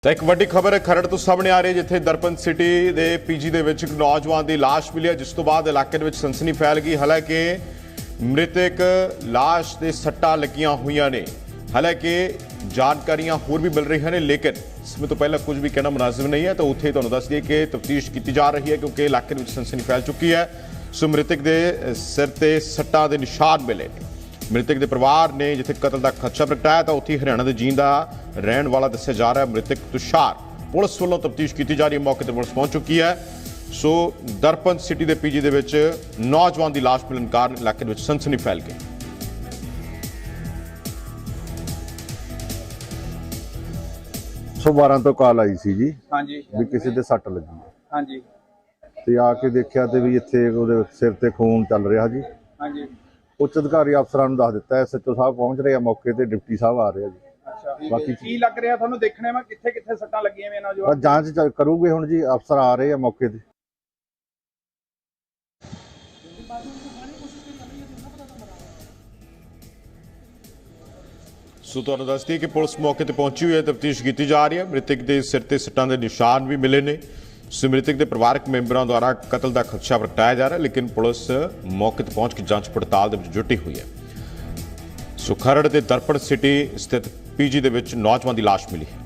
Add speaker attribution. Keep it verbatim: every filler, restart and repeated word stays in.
Speaker 1: ਤਾਂ ਇੱਕ ਵੱਡੀ ਖਬਰ ਖਰੜ ਤੋਂ ਸਾਹਮਣੇ ਆ ਰਹੀ ਜਿੱਥੇ ਦਰਪਨ ਸਿਟੀ ਦੇ ਪੀਜੀ ਦੇ ਵਿੱਚ ਇੱਕ ਨੌਜਵਾਨ ਦੀ ਲਾਸ਼ ਮਿਲੀ ਹੈ, ਜਿਸ ਤੋਂ ਬਾਅਦ ਇਲਾਕੇ ਦੇ ਵਿੱਚ ਸਨਸਨੀ ਫੈਲ ਗਈ। ਹਾਲਾਂਕਿ ਮ੍ਰਿਤਕ ਲਾਸ਼ ਦੇ ਸੱਟਾਂ ਲੱਗੀਆਂ ਹੋਈਆਂ ਨੇ। ਹਾਲਾਂਕਿ ਜਾਣਕਾਰੀਆਂ ਹੋਰ ਵੀ ਮਿਲ ਰਹੀਆਂ ਨੇ, ਲੇਕਿਨ ਇਸ ਤੋਂ ਪਹਿਲਾਂ ਕੁਝ ਵੀ ਕਹਿਣਾ ਮੁਨਾਸਿਬ ਨਹੀਂ ਹੈ। ਤਾਂ ਉੱਥੇ ਤੁਹਾਨੂੰ ਦੱਸ ਦਈਏ ਕਿ ਤਫਤੀਸ਼ ਕੀਤੀ ਜਾ ਰਹੀ ਹੈ, ਕਿਉਂਕਿ ਇਲਾਕੇ ਦੇ ਵਿੱਚ ਸਨਸਨੀ ਫੈਲ ਚੁੱਕੀ ਹੈ। ਸੋ ਮ੍ਰਿਤਕ ਦੇ ਸਿਰ ਤੇ ਸੱਟਾਂ ਦੇ ਨਿਸ਼ਾਨ ਮਿਲੇ। ਮ੍ਰਿਤਕ ਦੇ ਪਰਿਵਾਰ ਨੇ ਜਿੱਥੇ ਕਤਲ ਦਾ ਖਦਸ਼ਾ ਪ੍ਰਗਟਾਇਆ, ਤਾਂ ਉੱਥੇ ਹਰਿਆਣਾ ਦੇ ਜੀਂਦ ਦਾ ਰਹਿਣ ਵਾਲਾ ਦੱਸਿਆ ਜਾ ਰਿਹਾ ਮ੍ਰਿਤਕ ਤੁਸ਼ਾਰ। ਪੁਲਿਸ ਵੱਲੋਂ ਤਫਤੀਸ਼ ਕੀਤੀ ਜਾ ਰਹੀ ਹੈ, ਮੌਕੇ ਤੇ ਪੁਲਿਸ ਪਹੁੰਚ ਚੁੱਕੀ ਹੈ। ਸੋ ਦਰਪਨ ਸਿਟੀ ਦੇ ਪੀਜੀ ਦੇ ਵਿੱਚ ਨੌਜਵਾਨ ਦੀ ਲਾਸ਼ ਮਿਲਣ ਕਾਰਨ ਇਲਾਕੇ ਵਿੱਚ ਸਨਸਨੀ ਫੈਲ ਗਈ।
Speaker 2: ਸੌ ਬਾਰਾਂ ਤੋਂ ਕਾਲ ਆਈ ਸੀ ਜੀ।
Speaker 3: ਹਾਂਜੀ
Speaker 2: ਵੀ ਕਿਸੇ ਦੇ ਸੱਟ ਲੱਗੀ ਹੈ।
Speaker 3: ਹਾਂਜੀ
Speaker 2: ਤੇ ਆ ਕੇ ਦੇਖਿਆ ਤੇ ਵੀ ਇੱਥੇ ਉਹਦੇ ਸਿਰ ਤੇ ਖੂਨ ਚੱਲ ਰਿਹਾ ਜੀ।
Speaker 3: ਹਾਂਜੀ
Speaker 2: ਉੱਚ ਅਧਿਕਾਰੀ ਅਫਸਰਾਂ ਨੂੰ ਦੱਸ ਦਿੱਤਾ, ਐਸਐਚਓ ਸਾਹਿਬ ਪਹੁੰਚ ਰਹੇ ਆ ਮੌਕੇ ਤੇ, ਡਿਪਟੀ ਸਾਹਿਬ ਆ ਰਹੇ ਆ ਜੀ।
Speaker 3: ਅੱਛਾ,
Speaker 2: ਬਾਕੀ
Speaker 3: ਕੀ ਲੱਗ ਰਿਹਾ ਤੁਹਾਨੂੰ ਦੇਖਣੇ ਮੈਂ ਕਿੱਥੇ ਕਿੱਥੇ ਸੱਟਾਂ ਲੱਗੀਆਂ ਵੇ
Speaker 2: ਬਸ
Speaker 3: ਨੌਜਵਾਨ?
Speaker 2: ਜਾਂਚ ਚ ਕਰੂਗੇ ਹੁਣ ਜੀ, ਅਫਸਰ ਆ ਰਹੇ ਆ ਮੌਕੇ ਤੇ।
Speaker 1: ਸੋ ਤੁਹਾਨੂੰ ਦੱਸ ਦਈਏ ਕਿ ਪੁਲਿਸ ਮੌਕੇ ਤੇ ਪਹੁੰਚੀ ਹੋਈ ਹੈ, ਤਫਤੀਸ਼ ਕੀਤੀ ਜਾ ਰਹੀ ਹੈ। ਮ੍ਰਿਤਕ ਦੇ ਸਿਰ ਤੇ ਸੱਟਾਂ ਦੇ ਨਿਸ਼ਾਨ ਵੀ ਮਿਲੇ ਨੇ। ਸੋ ਮ੍ਰਿਤਕ ਦੇ ਪਰਿਵਾਰਕ ਮੈਂਬਰਾਂ ਦੁਆਰਾ ਕਤਲ ਦਾ ਖਦਸ਼ਾ ਪ੍ਰਗਟਾਇਆ ਜਾ ਰਿਹਾ, ਲੇਕਿਨ ਪੁਲਿਸ ਮੌਕੇ ਤੇ ਪਹੁੰਚ ਕੇ ਜਾਂਚ ਪੜਤਾਲ ਦੇ ਵਿੱਚ ਜੁਟੀ ਹੋਈ ਹੈ। ਸੋ ਖਰੜ ਦੇ ਦਰਪਣ ਸਿਟੀ ਸਥਿਤ ਪੀਜੀ ਦੇ ਵਿੱਚ ਨੌਜਵਾਨ ਦੀ ਲਾਸ਼ ਮਿਲੀ ਹੈ।